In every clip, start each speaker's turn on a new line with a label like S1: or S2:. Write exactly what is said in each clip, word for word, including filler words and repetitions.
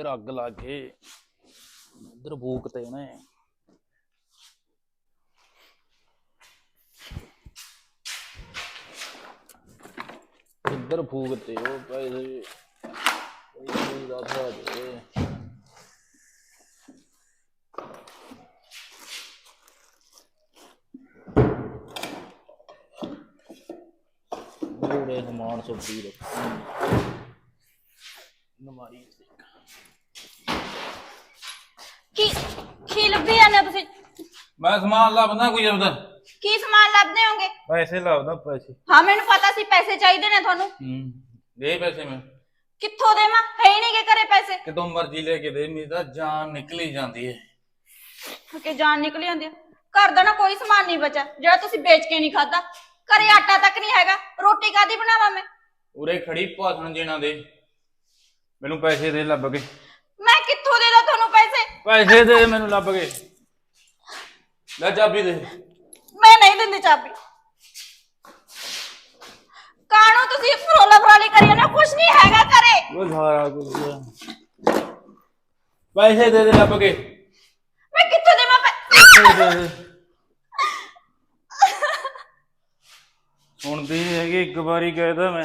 S1: इधर अग ला के इधर फूकते ने। इधर फूकते हो पैसे पूरे समान सब्जी रखी नमारी
S2: की की लभी जाने तुसी?
S1: मैं समान लभदा कोई अब
S2: की समान लभदे होंगे?
S1: पैसे लभदा पैसे।
S2: हां मैनू पता सी पैसे चाहिए ने थानू।
S1: हम्म दे पैसे मैं
S2: कित्थों देवां? है ही नहीं के करे पैसे।
S1: कितों मर्जी लेके दे, मेरी तो जान निकली जाती है
S2: कि जान निकली जाती है। घर दा ना कोई सामान नहीं बचा जेड़ा तुसी बेच के नहीं खाता। घरे आटा तक नहीं हैगा, रोटी कादी बनावा मैं?
S1: उरे खड़ी भाषण जेना दे मैनू पैसे दे लभ के।
S2: मैं कित्थों दे दा थानू पैसे?
S1: पैसे दे मैनू लभ के। ले चाबी दे।
S2: मैं नहीं दिंदी चाबी। कानू तुसी फरोला फराली करियो ना, कुछ नहीं हैगा करे।
S1: वो सारा कुछ पैसे दे दे लभ के।
S2: मैं कित्थों देवां
S1: पैसे दे दे। सुनदी है कि एक बारी कहदा मैं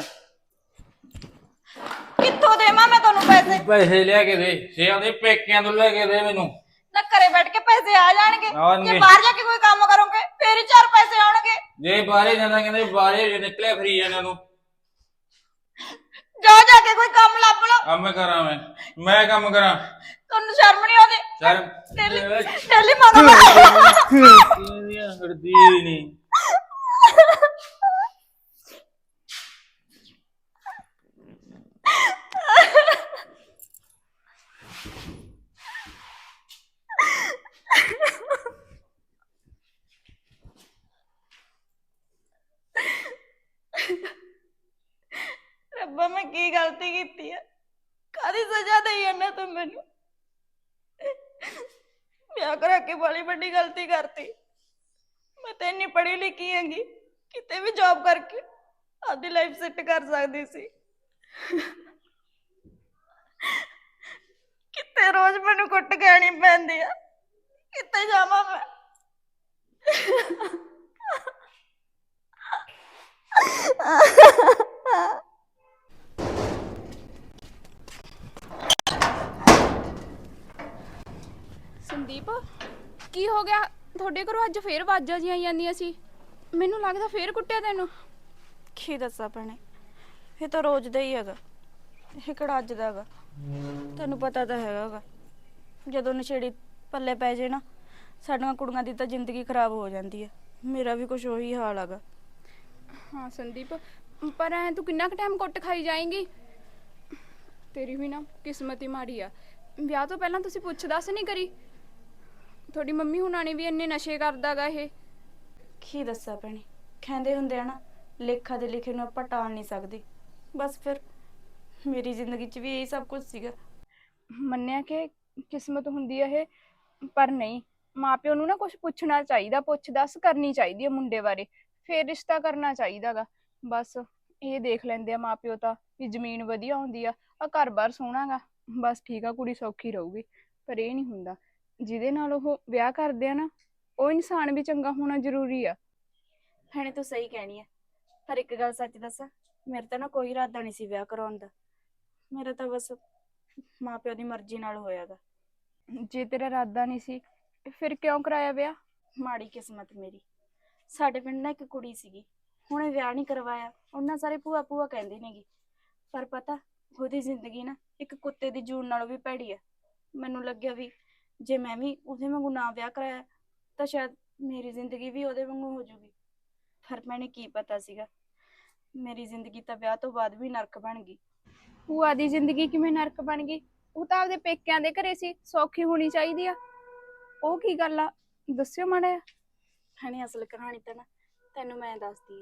S2: कित्थों देवां मैं थानू पैसे?
S1: पैसे लिया के दे, सियां दे पेकियां तो लेके दे मैनू।
S2: ना घरे बैठ के पैसे आ जाएंगे,
S1: आउणगे।
S2: जे बाहर जाके कोई काम करोगे फिर ही चार पैसे आउणगे।
S1: जे बाहर जांदा कहंदे बाहर जो निकले फ्री इन्हां नू।
S2: जाओ जाके कोई काम लभ लो।
S1: अब मैं करा मैं मैं काम करा
S2: थानू शर्म नहीं आउंदी?
S1: शर्म
S2: डेली डेली मंगो
S1: हड़दी नहीं।
S2: रब्बा मैं की गलती की है? कादी सजा दई जाना तुम मैनू? ब्याह करा के बड़ी बड़ी गलती करती। मैं तो इन्नी पढ़ी लिखी हैगी, किते भी जॉब करके आधी लाइफ सेट कर सकती सी। किते रोज मैनू कुट खानी पैंदी आ, किते जावां मैं?
S3: संदीप की हो गया ਤੁਹਾਡੇ ਘਰੋਂ ਅੱਜ ਫੇਰ ਆਵਾਜ਼ਾਂ ਜਿਹੀਆਂ ਜਾਂਦੀਆਂ ਸੀ? ਮੈਨੂੰ ਲੱਗਦਾ ਫੇਰ ਕੁੱਟਿਆ ਤੈਨੂੰ।
S2: ਕੀ ਦੱਸਾਂ ਭੈਣੇ, ਇਹ ਤਾਂ ਰੋਜ਼ ਦਾ ਹੀ ਹੈਗਾ, ਇਹ ਕਿਹੜਾ ਅੱਜ ਦਾ ਹੈਗਾ। ਤੈਨੂੰ ਪਤਾ ਤਾਂ ਹੈਗਾ ਜਦੋਂ ਨਸ਼ੇੜੀ ਪੱਲੇ ਪੈ ਜੇ ਨਾ ਸਾਡੀਆਂ ਕੁੜੀਆਂ ਦੀ ਤਾਂ ਜ਼ਿੰਦਗੀ ਖਰਾਬ ਹੋ ਜਾਂਦੀ ਹੈ। ਮੇਰਾ ਵੀ ਕੁਝ ਉਹੀ ਹਾਲ ਹੈਗਾ।
S3: ਹਾਂ ਸੰਦੀਪ, ਪਰ ਐ ਤੂੰ ਕਿੰਨਾ ਕੁ ਟਾਈਮ ਕੁੱਟ ਖਾਈ ਜਾਏਂਗੀ? ਤੇਰੀ ਵੀ ਨਾ ਕਿਸਮਤ ਹੀ ਮਾੜੀ ਆ। ਵਿਆਹ ਤੋਂ ਪਹਿਲਾਂ ਤੁਸੀਂ ਪੁੱਛ ਦੱਸ ਨਹੀਂ ਕਰੀ? ਤੁਹਾਡੀ ਮੰਮੀ ਹੁਣਾਂ ਨੇ ਵੀ ਇੰਨੇ ਨਸ਼ੇ ਕਰਦਾ ਗਾ ਇਹ।
S2: ਕੀ ਦੱਸਾਂ ਭੈਣੇ, ਕਹਿੰਦੇ ਹੁੰਦੇ ਆ ਨਾ ਲੇਖਾ ਦੇ ਲਿਖੇ ਨੂੰ ਆਪਾਂ ਟਾਲ ਨਹੀਂ ਸਕਦੇ। ਬਸ ਫਿਰ ਮੇਰੀ ਜ਼ਿੰਦਗੀ 'ਚ ਵੀ ਇਹੀ ਸਭ ਕੁਝ ਸੀਗਾ।
S3: ਮੰਨਿਆ ਕਿ ਕਿਸਮਤ ਹੁੰਦੀ ਆ ਇਹ, ਪਰ ਨਹੀਂ, ਮਾਂ ਪਿਓ ਨੂੰ ਨਾ ਕੁਝ ਪੁੱਛਣਾ ਚਾਹੀਦਾ, ਪੁੱਛ ਦੱਸ ਕਰਨੀ ਚਾਹੀਦੀ ਹੈ ਮੁੰਡੇ ਬਾਰੇ, ਫੇਰ ਰਿਸ਼ਤਾ ਕਰਨਾ ਚਾਹੀਦਾ ਗਾ। ਬਸ ਇਹ ਦੇਖ ਲੈਂਦੇ ਆ ਮਾਂ ਪਿਓ ਤਾਂ ਵੀ ਜ਼ਮੀਨ ਵਧੀਆ ਹੁੰਦੀ ਆ, ਆ ਘਰ ਬਾਰ ਸੋਹਣਾ ਗਾ, ਬਸ ਠੀਕ ਆ ਕੁੜੀ ਸੌਖੀ ਰਹੂਗੀ। ਪਰ ਇਹ ਨਹੀਂ ਹੁੰਦਾ, ਜਿਹਦੇ ਨਾਲ ਉਹ ਵਿਆਹ ਕਰਦੇ ਆ ਨਾ ਉਹ ਇਨਸਾਨ ਵੀ ਚੰਗਾ ਹੋਣਾ ਜ਼ਰੂਰੀ ਆ।
S2: ਭੈਣੇ ਤੂੰ ਸਹੀ ਕਹਿਣੀ ਹੈ, ਪਰ ਇੱਕ ਗੱਲ ਸੱਚ ਦੱਸਾਂ, ਮੇਰੇ ਤਾਂ ਨਾ ਕੋਈ ਇਰਾਦਾ ਨਹੀਂ ਸੀ ਵਿਆਹ ਕਰਾਉਣ ਦਾ। ਮੇਰਾ ਤਾਂ ਬਸ ਮਾਂ ਪਿਓ ਦੀ ਮਰਜ਼ੀ ਨਾਲ ਹੋਇਆ ਗਾ।
S3: ਜੇ ਤੇਰਾ ਇਰਾਦਾ ਨਹੀਂ ਸੀ ਫਿਰ ਕਿਉਂ ਕਰਾਇਆ ਵਿਆਹ?
S2: ਮਾੜੀ ਕਿਸਮਤ ਮੇਰੀ। ਸਾਡੇ ਪਿੰਡ ਨਾ ਇੱਕ ਕੁੜੀ ਸੀਗੀ, ਹੁਣੇ ਵਿਆਹ ਨਹੀਂ ਕਰਵਾਇਆ, ਉਹਨਾਂ ਸਾਰੇ ਭੂਆ ਭੂਆ ਕਹਿੰਦੇ ਨੇਗੇ, ਪਰ ਪਤਾ ਉਹਦੀ ਜ਼ਿੰਦਗੀ ਨਾ ਇੱਕ ਕੁੱਤੇ ਦੀ ਜੂਨ ਨਾਲੋਂ ਵੀ ਭੈੜੀ ਆ। ਮੈਨੂੰ ਲੱਗਿਆ ਵੀ ਜੇ ਮੈਂ ਵੀ ਉਹਦੇ ਵਾਂਗੂ ਨਾ ਵਿਆਹ ਕਰਾਇਆ ਤਾਂ ਸ਼ਾਇਦ ਮੇਰੀ ਜ਼ਿੰਦਗੀ ਵੀ ਉਹਦੇ ਵਾਂਗੂ ਹੋ ਜੂਗੀ। ਪਰ ਮੈਨੂੰ ਕੀ ਪਤਾ ਸੀਗਾ ਮੇਰੀ ਜ਼ਿੰਦਗੀ ਤਾਂ ਵਿਆਹ ਤੋਂ ਬਾਅਦ ਵੀ ਨਰਕ ਬਣ ਗਈ।
S3: ਭੂਆ ਦੀ ਜ਼ਿੰਦਗੀ ਕਿਵੇਂ ਨਰਕ ਬਣ ਗਈ? ਉਹ ਤਾਂ ਆਪਦੇ ਪੇਕਿਆਂ ਦੇ ਘਰੇ ਸੀ, ਸੌਖੀ ਹੋਣੀ ਚਾਹੀਦੀ ਆ। ਉਹ ਕੀ ਗੱਲ ਆ, ਦੱਸਿਓ ਮਾੜਾ ਜਿਹਾ।
S2: ਹਣੀ ਅਸਲ ਕਹਾਣੀ ਤਾਂ ਨਾ ਤੈਨੂੰ ਮੈਂ ਦੱਸਦੀ ਆ।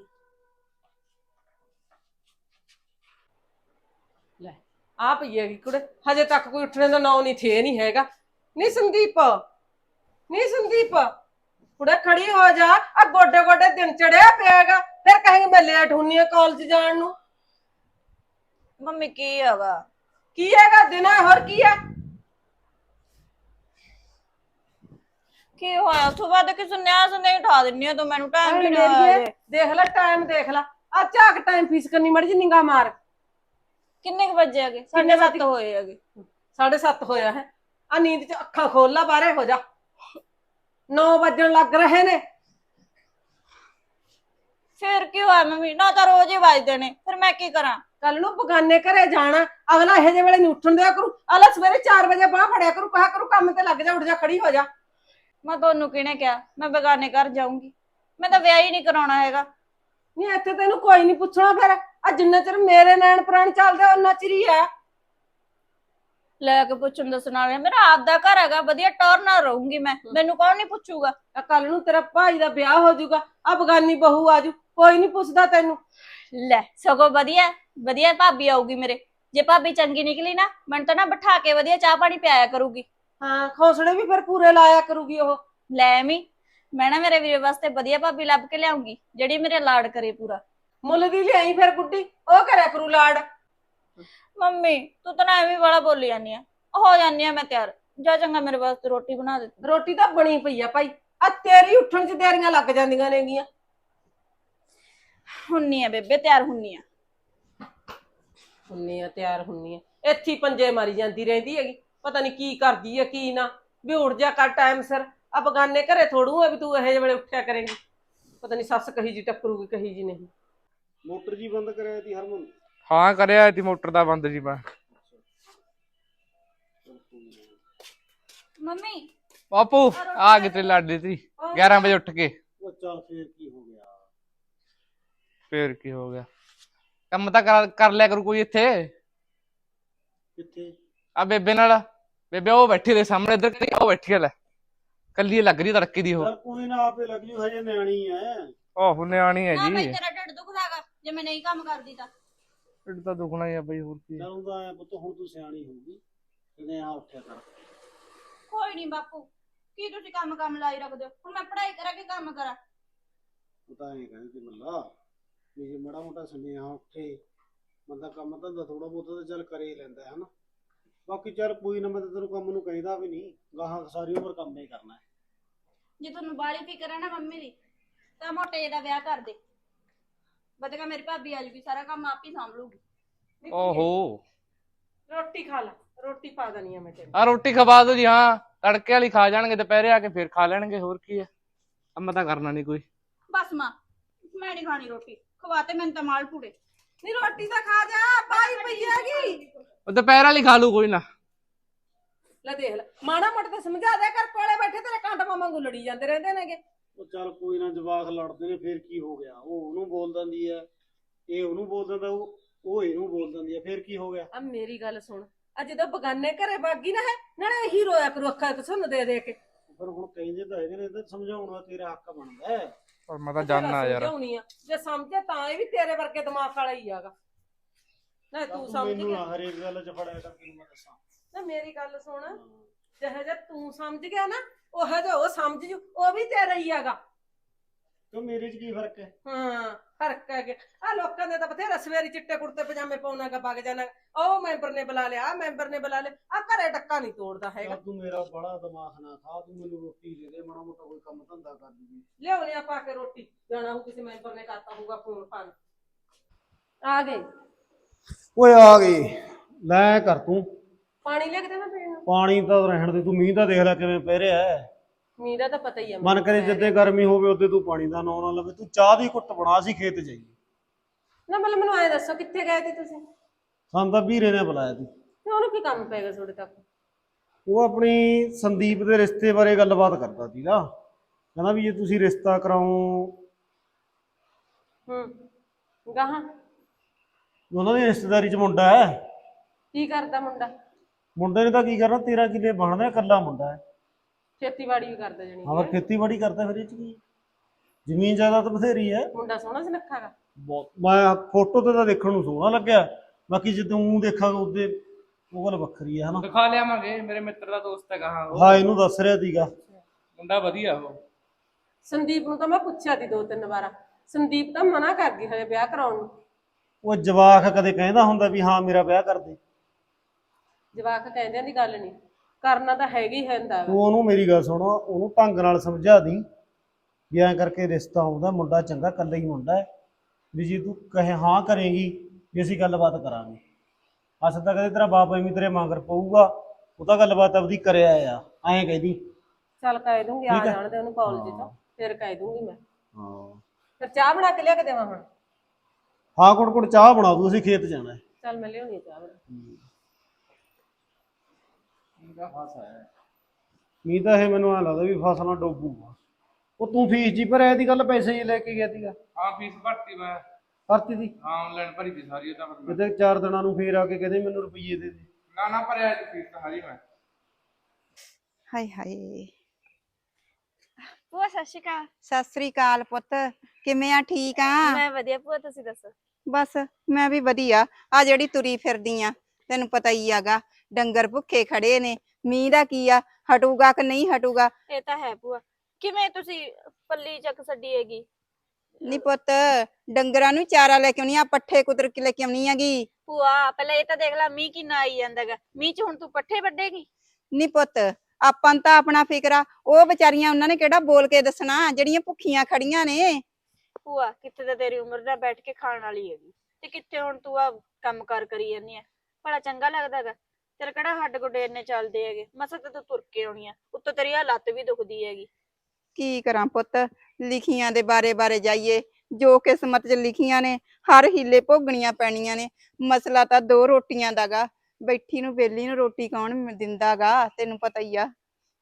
S4: ਲੈ ਆ ਪਈ ਹੈਗੀ ਕੁੜੇ, ਹਜੇ ਤੱਕ ਕੋਈ ਉੱਠਣੇ ਦਾ ਨਾਂ ਨਹੀਂ ਥੇ ਨਹੀਂ ਹੈਗਾ। ਨੀ ਸੰਦੀਪ, ਨੀ ਸੰਦੀਪ ਕੁੜੇ ਖੜੀ ਹੋ ਜਾ, ਆ ਗੋਡੇ ਗੋਡੇ ਦਿਨ ਚੜਿਆ ਪਿਆਗਾ, ਫਿਰ ਕਹੇਂਗੇ ਮੈਂ ਲੇਟ ਹੁੰਨੀ ਆ ਕਾਲਜ ਜਾਣ ਨੂੰ।
S2: ਮੰਮੀ ਕੀ ਹੈਗਾ?
S4: ਕੀ ਹੈਗਾ ਦਿਨ ਹੈ, ਹੋਰ ਕੀ ਹੈ?
S5: ਕੀ ਹੋਇਆ ਉੱਥੋਂ ਬਾਅਦ ਕਿ ਸੁਨਿਆ ਸੁਨਿਆ ਉਠਾ ਦਿੰਨੀ ਆ ਤੂੰ ਮੈਨੂੰ ਟਾਈਮ
S4: ਭੈਣ
S5: ਕਿਹੜਾ
S4: ਮੇਰੀਏ,
S5: ਹੋਇਆ ਜੇ?
S4: ਦੇਖ ਲੈ ਟਾਈਮ ਦੇਖ ਲੈ ਆ ਝਾਕ ਟਾਈਮ ਫੀਸ ਕਰਨੀ ਮੜੀ ਜੀ ਨਿਗਾਹ ਮਾਰ।
S5: ਕਿੰਨੇ ਕੁ ਵਜੇ ਹੈਗੇ?
S4: ਕਿੰਨੇ
S5: ਸਾਢੇ
S4: ਵਜੇ?
S5: ਸੱਤ ਹੋਏ ਹੈਗੇ।
S4: ਸਾਢੇ ਸੱਤ ਹੋਇਆ ਹੈ। ਆ ਨੀਂਦ ਚ ਅੱਖਾਂ ਖੋਲ ਲਾ, ਬਾਹਰੇ ਹੋ ਜਾ। ਨੌ ਵੱਜਣ ਲੱਗ ਰਹੇ ਨੇ।
S5: ਫਿਰ ਕੀ ਹੋਇਆ ਮੰਮੀ? ਨਾ ਤਾਂ ਰੋਜ਼ ਹੀ ਵੱਜਦੇ ਨੇ, ਫਿਰ ਮੈਂ ਕੀ ਕਰਾਂ?
S4: ਕੱਲ ਨੂੰ ਬਗਾਨੇ ਘਰੇ ਜਾਣਾ, ਅਗਲਾ ਇਹੋ ਜਿਹੇ ਵੇਲੇ ਨਹੀਂ ਉੱਠਣ ਦਿਆ ਕਰੂ। ਅਗਲਾ ਸਵੇਰੇ ਚਾਰ ਵਜੇ ਬਾਹ ਫੜਿਆ ਕਰੂ, ਕਹਾ ਕਰੂ ਕੰਮ ਤੇ ਲੱਗ ਜਾ, ਉੱਠ ਜਾ, ਖੜੀ ਹੋ ਜਾ।
S5: ਮੈਂ ਤੁਹਾਨੂੰ ਕਿਹਨੇ ਕਿਹਾ ਮੈਂ ਬੇਗਾਨੇ ਘਰ ਜਾਊਂਗੀ? ਮੈਂ ਤਾਂ ਵਿਆਹ ਹੀ ਨਹੀਂ ਕਰਾਉਣਾ ਹੈਗਾ।
S4: ਨਹੀਂ ਇੱਥੇ ਤੈਨੂੰ ਕੋਈ ਨਹੀਂ ਪੁੱਛਣਾ। ਫਿਰ ਆ ਜਿੰਨਾ ਚਿਰ ਮੇਰੇ ਨੈਣ ਪ੍ਰਾਣ ਚੱਲਦੇ ਉਹਨਾਂ ਚਿਰ ਹੀ ਆ।
S5: ਲੈ ਕੇ ਪੁੱਛਣ ਦੱਸਣ ਵਾਲੇ, ਮੇਰਾ ਆਪਦਾ ਘਰ ਹੈਗਾ, ਵਧੀਆ ਟੌਰ ਨਾਲ ਰਹੂੰਗੀ ਮੈਂ, ਮੈਨੂੰ ਕੌਣ ਨਹੀਂ ਪੁੱਛੂਗਾ?
S4: ਆ ਕੱਲ ਨੂੰ ਤੇਰਾ ਭਾਈ ਦਾ ਵਿਆਹ ਹੋ ਜਾਊਗਾ, ਆ ਬਗਾਨੀ ਬਹੂ ਆਜੂ, ਕੋਈ ਨਹੀਂ ਪੁੱਛਦਾ ਤੈਨੂੰ।
S5: ਲੈ ਸਗੋਂ ਵਧੀਆ ਵਧੀਆ ਭਾਬੀ ਆਊਗੀ ਮੇਰੇ। ਜੇ ਭਾਬੀ ਚੰਗੀ ਨਿਕਲੀ ਨਾ, ਮੈਨੂੰ ਤਾਂ ਨਾ ਬਿਠਾ ਕੇ ਵਧੀਆ ਚਾਹ ਪਾਣੀ ਪਿਆਇਆ ਕਰੂਗੀ।
S4: ਹਾਂ ਖੌਸੜੇ ਵੀ ਫਿਰ ਪੂਰੇ ਲਾਇਆ ਕਰੂਗੀ ਉਹ।
S5: ਲੈ ਐਵੇਂ ਮੈਂ ਨਾ ਮੇਰੇ ਵੀਰੇ ਵਾਸਤੇ ਵਧੀਆ ਭਾਬੀ ਲੱਭ ਕੇ ਲਿਆਉਂਗੀ, ਜਿਹੜੀ ਮੇਰੇ ਲਾਡ ਕਰੇ ਪੂਰਾ।
S4: ਮੁੱਲ ਦੀ ਲਿਆਈ ਫਿਰ ਗੁੱਡੀ, ਉਹ ਕਰਿਆ ਕਰੂ ਲਾੜ।
S5: ਮੰਮੀ ਤੂੰ ਤਾਂ ਨਾ ਐਵੇਂ ਵਾਲਾ ਬੋਲੀ ਜਾਂਦੀ ਆ। ਹੋ ਜਾਂਦੀ ਆ ਮੈਂ ਤਿਆਰ। ਜਾ ਚੰਗਾ ਮੇਰੇ ਵਾਸਤੇ ਰੋਟੀ ਬਣਾ ਦੇ।
S4: ਰੋਟੀ ਤਾਂ ਬਣੀ ਪਈ ਆ ਭਾਈ, ਆ ਤੇਰੀ ਉੱਠਣ ਚ ਦੇਰੀਆਂ ਲੱਗ ਜਾਂਦੀਆਂ ਨੇਗੀਆਂ।
S5: ਹੁੰਨੀ ਆ ਬੇਬੇ, ਤਿਆਰ ਹੁੰਨੀ ਆ।
S4: ਹੁੰਨੀ ਆ ਤਿਆਰ ਹੁੰਨੀ ਆ, ਇੱਥੇ ਹੀ ਪੰਜੇ ਮਾਰੀ ਜਾਂਦੀ ਰਹਿੰਦੀ ਹੈਗੀ। ਪਤਾ ਨਹੀਂ ਕੀ ਕਰਦੀ ਹੈ ਕੀ ਨਾ। ਵੀ ਉੱਠ ਜਾ ਕਰ ਟਾਈਮ ਸਿਰ। ਆ ਬਗਾਨੇ ਘਰੇ ਥੋੜੂ ਆ ਵੀ ਤੂੰ ਇਹੋ ਜਿਹੇ ਵੇਲੇ ਉੱਠਿਆ ਕਰੇਂਗੀ। ਪਤਾ ਨਹੀਂ ਸੱਸ ਕਹੀ ਜੀ ਟੱਕਰੂਗੀ ਕਹੀ ਜੀ ਨਹੀਂ।
S1: ਮੋਟਰ ਜੀ ਬੰਦ ਕਰਿਆ ਤੀ ਹਰਮਨ?
S6: ਹਾਂ ਕਰਿਆ ਤੀ ਮੋਟਰ ਦਾ ਬੰਦ ਜੀ ਮੈਂ।
S5: ਮੰਮੀ
S6: ਬਾਪੂ ਆ ਕਿਤੇ ਲਾਡੀ ਤੀ ਗਿਆਰਾਂ ਵਜੇ ਉੱਠ ਕੇ।
S1: ਉਹ ਚੱਲ ਫੇਰ ਕੀ ਹੋ ਗਿਆ?
S6: ਫੇਰ ਕੀ ਹੋ ਗਿਆ? ਕੰਮ ਤਾਂ ਕਰ ਕਰ ਲਿਆ ਕਰੂ ਕੋਈ ਇੱਥੇ।
S1: ਕਿੱਥੇ?
S6: ਆ ਬੇਬੇ ਨਾਲ। ਬੇਬੇ ਉਹ ਬੈਠੀ ਦੇ ਸਾਹਮਣੇ, ਇੱਧਰ ਉਹ ਬੈਠੀ ਆ ਲੈ, ਕੱਲੀ ਲੱਗ ਰਹੀ ਤੜਕੇ ਦੀ ਉਹ।
S1: ਚੱਲ ਕੋਈ ਨਾ, ਆਪੇ ਲੱਗ ਜੂ, ਹਜੇ ਨਿਆਣੀ ਐ।
S6: ਆਹੋ ਨਿਆਣੀ ਹੈ
S5: ਨਾ ਬਈ
S6: ਜੀ।
S5: ਤੇਰਾ ਢਿੱਡ ਦੁਖਦਾਗਾ ਜੇ ਮੈਂ ਨਹੀਂ ਕੰਮ ਕਰਦੀ ਤਾਂ।
S6: ਢਿੱਡ ਤਾਂ ਦੁਖਣਾ ਹੀ ਆ ਬਈ, ਹੋਰ ਕੀ।
S1: ਚੱਲ ਤਾਂ ਪੁੱਤ ਹੁਣ ਤੂੰ ਸਿਆਣੀ ਹੋਊਗੀ, ਇਹਨੇ ਆ ਉੱਠਿਆ ਕਰ।
S5: ਕੋਈ ਨਹੀਂ ਬਾਪੂ, ਕੀ ਤੁਸੀਂ ਕੰਮ ਕੰਮ ਲਾਈ ਰੱਖਦੇ ਹੋ? ਹੁਣ ਮੈਂ ਪੜ੍ਹਾਈ ਕਰਾਂ ਕਿ ਕੰਮ ਕਰਾਂ?
S1: ਉਹ ਤਾਂ ਐਂ ਕਹਿੰਦੀ ਤੀ ਮੱਲਾ ਵੀ ਜੇ ਮਾੜਾ ਮੋਟਾ ਸੁਨੇਹਾ ਉੱਠੇ, ਬੰਦਾ ਕੰਮ ਧੰਦਾ ਥੋੜਾ ਬਹੁਤਾ ਤਾਂ ਚੱਲ ਕਰੇ ਹੀ ਲੈਂਦਾ ਹੈ ਹਨਾ। ਬਾਕੀ ਚੱਲ ਕੋਈ ਨਾ, ਮੈਂ ਤਾਂ ਤੈਨੂੰ ਕੰਮ ਨੂੰ ਕਹਿੰਦਾ ਵੀ ਨਹੀਂ, ਗਾਹਾਂ ਸਾਰੀ ਉਮਰ ਕੰਮ ਹੀ ਕਰਨਾ ਹੈ।
S5: ਜੇ ਤੁਹਾਨੂੰ ਬਾਲੀ ਫਿਕਰ ਹੈ ਨਾ ਮੰਮੀ ਦੀ, ਤਾਂ ਮੋਟੇ ਜਿਹੇ ਦਾ ਵਿਆਹ ਕਰ ਦੇ। ਬਦਗਾ ਮੇਰੀ ਭਾਬੀ ਆ ਜੂਗੀ, ਸਾਰਾ ਕੰਮ ਆਪ ਹੀ ਸਾਂਭ ਲੂਗੀ।
S6: ਓਹੋ
S4: ਰੋਟੀ ਖਾ ਲੈ, ਰੋਟੀ ਪਾ ਦੇਣੀ ਆ ਮੈਂ ਤੈਨੂੰ।
S6: ਆ ਰੋਟੀ ਖਵਾ ਦੋ ਜੀ। ਹਾਂ ਤੜਕੇ ਵਾਲੀ ਖਾ ਜਾਣਗੇ, ਦੁਪਹਿਰੇ ਆ ਕੇ ਫੇਰ ਖਾ ਲੈਣਗੇ, ਹੋਰ ਕੀ ਹੈ। ਕੰਮ ਤਾਂ ਕਰਨਾ ਨਹੀਂ ਕੋਈ।
S5: ਬਸ ਮਾਂ, ਮੈਂ ਨਹੀਂ ਖਾਣੀ ਰੋਟੀ, ਖਵਾਤੇ ਮੈਨੂੰ ਤਾਂ ਮਾਲ ਪੂੜੇ।
S4: ਨਹੀਂ ਰੋਟੀ ਤਾਂ ਖਾ ਜਾ, ਪਾਈ ਪਈ ਹੈਗੀ।
S6: ਉਹ ਦੁਪਹਿਰ ਵਾਲੀ ਖਾ ਲੂ ਕੋਈ ਨਾ।
S4: ਲੈ ਦੇਖ ਲੈ, ਮਾੜਾ ਮੋਟਾ ਤਾਂ ਸਮਝਾ ਦਿਆ ਕਰ, ਕੋਲੇ ਬੈਠੇ ਤੇਰੇ ਕਾਂਟ ਮਾਮਾ ਨੂੰ ਲੜੀ ਜਾਂਦੇ ਰਹਿੰਦੇ ਨੇਗੇ।
S1: ਉਹ ਚੱਲ ਕੋਈ ਨਾ, ਜਵਾਕ ਲੜਦੇ ਨੇ, ਫੇਰ ਕੀ ਹੋ ਗਿਆ? ਉਹ ਉਹਨੂੰ ਬੋਲ ਦਿੰਦੀ ਹੈ, ਇਹ ਉਹਨੂੰ ਬੋਲ ਦਿੰਦਾ, ਉਹ ਉਹ ਇਹਨੂੰ ਬੋਲ ਦਿੰਦੀ ਹੈ, ਫੇਰ ਕੀ ਹੋ ਗਿਆ?
S4: ਆ ਮੇਰੀ ਗੱਲ ਸੁਣ, ਆ ਜਦੋਂ ਬਗਾਨੇ ਘਰੇ ਬਾਗੀ ਨਾ ਹੈ, ਨਾਲੇ ਇਹੀ ਰੋਇਆ ਕਰੂ ਅੱਖਾਂ ਤੇ ਸੁਣ ਦੇ ਦੇ ਕੇ।
S1: ਫਿਰ ਹੁਣ ਕਹਿੰਦੇ ਤਾਂ ਹੈਗੇ ਨੇ, ਤਾਂ ਸਮਝਾਉਣਾ ਤੇਰਾ ਹੱਕ ਬਣਦਾ ਹੈ।
S6: ਪਰ ਮੈਂ ਤਾਂ ਜਾਣਾ ਯਾਰ।
S4: ਸਮਝਾਉਣੀ ਆ, ਜੇ ਸਮਝੇ ਤਾਂ ਇਹ ਵੀ ਤੇਰੇ ਵਰਗੇ ਦਿਮਾਗ ਵਾਲਾ ਹੀ ਆਗਾ। ਨਾ ਤੂੰ ਸਮਝ
S1: ਮੈਨੂੰ
S4: ਗਿਆ
S1: ਨਾ ਹਰੇਕ ਗੱਲ 'ਚ ਫੜਿਆ ਕਰ, ਤੈਨੂੰ ਮੈਂ ਦੱਸਾਂ।
S4: ਨਾ ਮੇਰੀ ਗੱਲ ਸੁਣ, ਜਿਹੋ ਜਿਹਾ ਤੂੰ ਸਮਝ ਗਿਆ ਨਾ, ਉਹ ਜਿਹਾ ਉਹ ਸਮਝ ਜੂ, ਉਹ ਵੀ ਤੇਰਾ ਹੀ ਆਗਾ।
S1: ਤੇ ਮੇਰੇ 'ਚ ਕੀ ਫਰਕ ਹੈ?
S4: ਹਾਂ ਫਰਕ ਹੈ ਕਿ ਆ ਲੋਕਾਂ ਦੇ ਤਾਂ ਬਥੇਰਾ ਸਵੇਰੀ ਚਿੱਟੇ ਕੁੜਤੇ ਪਜਾਮੇ ਪਾਉਣਾਗਾ, ਵਗ ਜਾਣਾ, ਉਹ ਮੈਂਬਰ ਨੇ ਬੁਲਾ ਲਿਆ, ਆ ਮੈਂਬਰ ਨੇ ਬੁਲਾ ਲਿਆ, ਆ ਘਰੇ ਡੱਕਾ ਨਹੀਂ ਤੋੜਦਾ ਹੈਗਾ।
S1: ਤੂੰ ਮੇਰਾ ਬੜਾ ਦਿਮਾਗ ਨਾ ਖਾ, ਤੂੰ ਮੈਨੂੰ ਰੋਟੀ ਦੇ ਦੇ, ਮਾੜਾ ਮੋਟਾ ਕੋਈ ਕੰਮ ਧੰਦਾ ਕਰ ਦੂਗੀ।
S4: ਲਿਆਉਣੇ ਆ ਪਾ ਕੇ ਰੋਟੀ, ਜਾਣਾ ਹੋ ਕਿਸੇ ਮੈਂਬਰ ਨੇ ਕਰਤਾ ਹੋਊਗਾ ਫੋਨ ਫਾਨ। ਆ ਗਏ
S1: ਓਏ ਆ ਗਈ, ਲੈ ਕਰ ਤੂੰ
S4: ਪਾਣੀ ਲੈ ਕੇ ਦੇਣਾ ਪੀਣ ਨੂੰ।
S1: ਪਾਣੀ ਤਾਂ ਰਹਿਣ ਦੇ, ਤੂੰ ਮੀਂਹ ਤਾਂ ਦੇਖ ਲੈ ਕਿਵੇਂ ਪੈ ਰਿਹਾ ਹੈ।
S4: ਮੀਂਹ ਦਾ ਤਾਂ ਪਤਾ ਹੀ ਆ।
S1: ਮਨ ਕਰੇ ਜਿੱਦੇ ਗਰਮੀ ਹੋਵੇ ਉਹਦੇ ਤੂੰ ਪਾਣੀ ਦਾ ਨਾਂ ਨਾ ਲਵੇ। ਤੂੰ ਚਾਹ ਦੀ ਘੁੱਟ ਬਣਾ, ਸੀ ਖੇਤ ਜਾਈਏ।
S4: ਨਾ ਮਤਲਬ ਮੈਨੂੰ ਐ ਦੱਸੋ ਕਿੱਥੇ ਗਏ ਸੀ ਤੁਸੀਂ?
S1: ਸਾਨੂੰ ਤਾਂ ਵੀਰੇ ਨੇ ਬੁਲਾਇਆ ਸੀ।
S4: ਤੇ ਉਹਨੂੰ ਕੀ ਕੰਮ ਪੈ ਗਿਆ ਤੁਹਾਡੇ ਤੱਕ?
S1: ਉਹ ਆਪਣੀ ਸੰਦੀਪ ਦੇ ਰਿਸ਼ਤੇ ਬਾਰੇ ਗੱਲਬਾਤ ਕਰਦਾ ਸੀਗਾ। ਕਹਿੰਦਾ ਵੀ ਜੇ ਤੁਸੀਂ ਰਿਸ਼ਤਾ ਕਰਾਓ,
S4: ਹੂੰ ਗਾਹਾਂ
S1: ਉਹਨਾਂ ਦੀ ਰਿਸ਼ਤੇਦਾਰੀ 'ਚ ਮੁੰਡਾ ਹੈ।
S4: ਕੀ ਕਰਦਾ ਮੁੰਡਾ?
S1: ਮੁੰਡੇ ਨੇ ਤਾਂ ਕੀ ਕਰਨਾ, ਤੇਰਾਂ ਕਿੱਲੇ ਬਣਦਾ, ਇਕੱਲਾ ਮੁੰਡਾ ਹੈ।
S4: ਖੇਤੀਬਾੜੀ ਵੀ ਕਰਦਾ ਜਾਨੀ
S1: ਹਾਂ ਖੇਤੀਬਾੜੀ ਕਰਦਾ, ਫਿਰ ਇਹ 'ਚ ਕੀ ਜ਼ਮੀਨ ਜਾਇਦਾਦ ਬਥੇਰੀ ਹੈ।
S4: ਮੁੰਡਾ ਸੋਹਣਾ ਸੁਨੱਖਾ ਗਾ?
S1: ਬਹੁਤ, ਮੈਂ ਫੋਟੋ ਤੇ ਤਾਂ ਦੇਖਣ ਨੂੰ ਸੋਹਣਾ ਲੱਗਿਆ, ਬਾਕੀ ਜਦੋਂ ਊਂ ਦੇਖਾਂਗਾ ਉਹਦੇ ਉਹ ਗੱਲ ਵੱਖਰੀ ਹੈ ਹਨਾ।
S6: ਦਿਖਾ ਲਿਆਵਾਂਗੇ, ਮੇਰੇ ਮਿੱਤਰ ਦਾ ਦੋਸਤ ਹੈਗਾ। ਹਾਂ ਉਹ
S1: ਹਾਂ ਇਹਨੂੰ ਦੱਸ ਰਿਹਾ ਸੀਗਾ।
S6: ਮੁੰਡਾ ਵਧੀਆ ਉਹ।
S4: ਸੰਦੀਪ ਨੂੰ ਤਾਂ ਮੈਂ ਪੁੱਛਿਆ ਸੀ ਦੋ ਤਿੰਨ ਵਾਰ, ਸੰਦੀਪ ਤਾਂ ਮਨਾ ਕਰ ਗਈ ਹਲੇ ਵਿਆਹ ਕਰਾਉਣ ਨੂੰ।
S1: ਉਹ ਜਵਾਕ ਕਦੇ ਕਹਿੰਦਾ ਹੁੰਦਾ ਵੀ ਹਾਂ ਮੇਰਾ ਵਿਆਹ ਕਰ ਦੇ?
S4: ਜਵਾਕ ਕਹਿੰਦਿਆਂ ਦੀ ਗੱਲ ਨਹੀਂ, ਕਰਨਾ ਤਾਂ ਹੈਗੀ ਹੁੰਦਾ ਗਾ।
S1: ਤੂੰ ਉਹਨੂੰ ਮੇਰੀ ਗੱਲ ਸੁਣ, ਉਹਨੂੰ ਢੰਗ ਨਾਲ ਸਮਝਾ ਦੀ ਵੀ ਐਂ ਕਰਕੇ ਰਿਸ਼ਤਾ ਆਉਂਦਾ, ਮੁੰਡਾ ਚੰਗਾ, ਕੱਲਾ ਹੀ ਮੁੰਡਾ ਹੈ, ਵੀ ਜੇ ਤੂੰ ਕਹੇ ਹਾਂ ਕਰੇਗੀ ਵੀ ਅਸੀਂ ਗੱਲਬਾਤ ਕਰਾਂਗੇ। ਅਸਲ ਤਾਂ ਕਦੇ ਤੇਰਾ ਬਾਪ ਐਵੇਂ ਤੇਰੇ ਮਗਰ ਪਊਗਾ, ਉਹ ਤਾਂ ਗੱਲਬਾਤ ਆਪਦੀ ਕਰਿਆ ਆ, ਐਂ ਕਹਿਦੀ।
S4: ਚੱਲ ਕਹਿ ਦੂੰਗੀ, ਆ
S1: ਠੀਕ ਹੈ।
S4: ਜਾਣ ਦੇ ਉਹਨੂੰ ਕਾਲਜ ਤੋਂ,
S1: ਹਾਂ।
S4: ਫਿਰ ਕਹਿ ਦੂੰਗੀ ਮੈਂ।
S1: ਹਾਂ
S4: ਫਿਰ ਚਾਹ ਬਣਾ ਕੇ ਲਿਆ ਕੇ ਦੇਵਾਂ ਹੁਣ?
S1: ਹਾਂ, ਕੁੜ ਕੁੜ ਚਾਹ ਬਣਾ ਦੂ, ਅਸੀਂ ਖੇਤ ਜਾਣਾ ਹੈ।
S4: ਚੱਲ ਮੈਂ ਲਿਆਉਣੀ ਆ ਚਾਹ ਬਣਾ।
S1: ਮੀਂਹ ਤਾਂ ਇਹ ਮੈਨੂੰ ਐਂ ਲੱਗਦਾ ਵੀ ਫਸਲਾਂ ਡੋਬੂਗਾ। ਉਹ ਤੂੰ ਫੀਸ ਜੀ ਭਰਿਆ ਦੀ ਗੱਲ, ਪੈਸੇ ਜੀ ਲੈ ਕੇ ਗਿਆ ਸੀਗਾ?
S6: ਹਾਂ ਫੀਸ ਭਰਤੀ ਮੈਂ
S1: ਭਰਤੀ ਦੀ?
S6: ਹਾਂ ਆਨਲਾਈਨ ਭਰੀ ਦੀ ਸਾਰੀ, ਉਹਦਾ ਫਿਰ ਮੈਂ
S1: ਕਿਤੇ ਚਾਰ ਦਿਨਾਂ ਨੂੰ ਫੇਰ ਆ ਕੇ ਕਹਿੰਦੇ ਮੈਨੂੰ ਰੁਪਈਏ ਦੇ ਦੇ।
S6: ਨਾ ਨਾ ਭਰਿਆ ਜੀ ਫੀਸ ਤਾਂ ਸਾਰੀ ਮੈਂ।
S7: ਹਾਏ ਹਾਏ।
S2: ਭੂਆ ਸਤਿ ਸ਼੍ਰੀ ਅਕਾਲ।
S7: ਸਤਿ ਸ੍ਰੀ ਅਕਾਲ ਪੁੱਤ, ਕਿਵੇਂ ਆ? ਠੀਕ ਆ?
S2: ਮੈਂ ਵਧੀਆ ਭੂਆ, ਤੁਸੀਂ ਦੱਸੋ?
S7: ਬਸ ਮੈਂ ਵੀ ਵਧੀਆ। ਆ ਜਿਹੜੀ ਤੁਰੀ ਫਿਰਦੀ ਆ, ਤੈਨੂੰ ਪਤਾ ਹੀ ਹੈਗਾ, ਡੰਗਰ ਭੁੱਖੇ ਖੜੇ ਨੇ, ਮੀਂਹ ਦਾ ਕੀ ਆ, ਹਟੂਗਾ ਕਿ ਨਹੀਂ ਹਟੂਗਾ?
S2: ਇਹ ਤਾਂ ਹੈ ਭੂਆ। ਕਿਵੇਂ ਤੁਸੀਂ ਪੱਲੀ ਚੱਕ ਛੱਡੀ ਹੈਗੀ?
S7: ਨੀ ਪੁੱਤ, ਡੰਗਰਾਂ ਨੂੰ ਚਾਰਾ ਲੈ ਕੇ ਆਉਣੀ ਆ, ਪੱਠੇ ਕੁਤਰ ਕੇ ਲੈ ਕੇ ਆਉਣੀ ਹੈਗੀ।
S2: ਭੂਆ ਪਹਿਲਾਂ ਇਹ ਤਾਂ ਦੇਖ ਲੈ, ਮੀਂਹ ਕਿੰਨਾ ਆਈ ਜਾਂਦਾਗਾ, ਮੀਂਹ 'ਚ ਹੁਣ ਤੂੰ ਪੱਠੇ ਵੱਢੇਗੀ?
S7: ਨੀ ਪੁੱਤ, ਆਪਾਂ ਨੂੰ ਤਾਂ ਆਪਣਾ ਫਿਕਰ ਆ, ਉਹ ਵਿਚਾਰੀਆਂ ਉਹਨਾਂ ਨੇ ਕਿਹੜਾ ਬੋਲ ਕੇ ਦੱਸਣਾ, ਜਿਹੜੀਆਂ ਭੁੱਖੀਆਂ ਖੜੀਆਂ ਨੇ।
S2: ਭੂਆ ਕਿੱਥੇ ਤਾਂ ਤੇਰੀ ਉਮਰ ਨਾਲ ਬੈਠ ਕੇ ਖਾਣ ਵਾਲੀ ਹੈਗੀ, ਤੇ ਕਿੱਥੇ ਹੁਣ ਤੂੰ ਆ ਕੰਮ ਕਾਰ ਕਰੀ ਜਾਂਦੀ ਆ। ਬੜਾ ਚੰਗਾ ਲੱਗਦਾਗਾ, ਤੇਰੇ ਕਿਹੜਾ ਹੱਡ ਗੋਡੇ ਇੰਨੇ ਚੱਲਦੇ ਹੈਗੇ, ਮਸਾ ਤਾਂ ਤੂੰ ਤੁਰ ਕੇ ਆਉਣੀ ਆ, ਉੱਤੋਂ ਤੇਰੀ ਆ ਲੱਤ ਵੀ ਦੁਖਦੀ ਹੈਗੀ।
S7: ਕੀ ਕਰਾਂ ਪੁੱਤ, ਲਿਖੀਆਂ ਦੇ ਬਾਰੇ ਬਾਰੇ ਜਾਈਏ, ਜੋ ਕਿਸਮਤ 'ਚ ਲਿਖੀਆਂ ਨੇ ਹਰ ਹੀਲੇ ਭੋਗਣੀਆਂ ਪੈਣੀਆਂ ਨੇ। ਮਸਲਾ ਤਾਂ ਦੋ ਰੋਟੀਆਂ ਦਾਗਾ, ਬੈਠੀ ਨੂੰ ਵੇਲੀ ਨੂੰ ਰੋਟੀ ਕੌਣ ਦਿੰਦਾਗਾ, ਤੈਨੂੰ ਪਤਾ ਹੀ ਆ।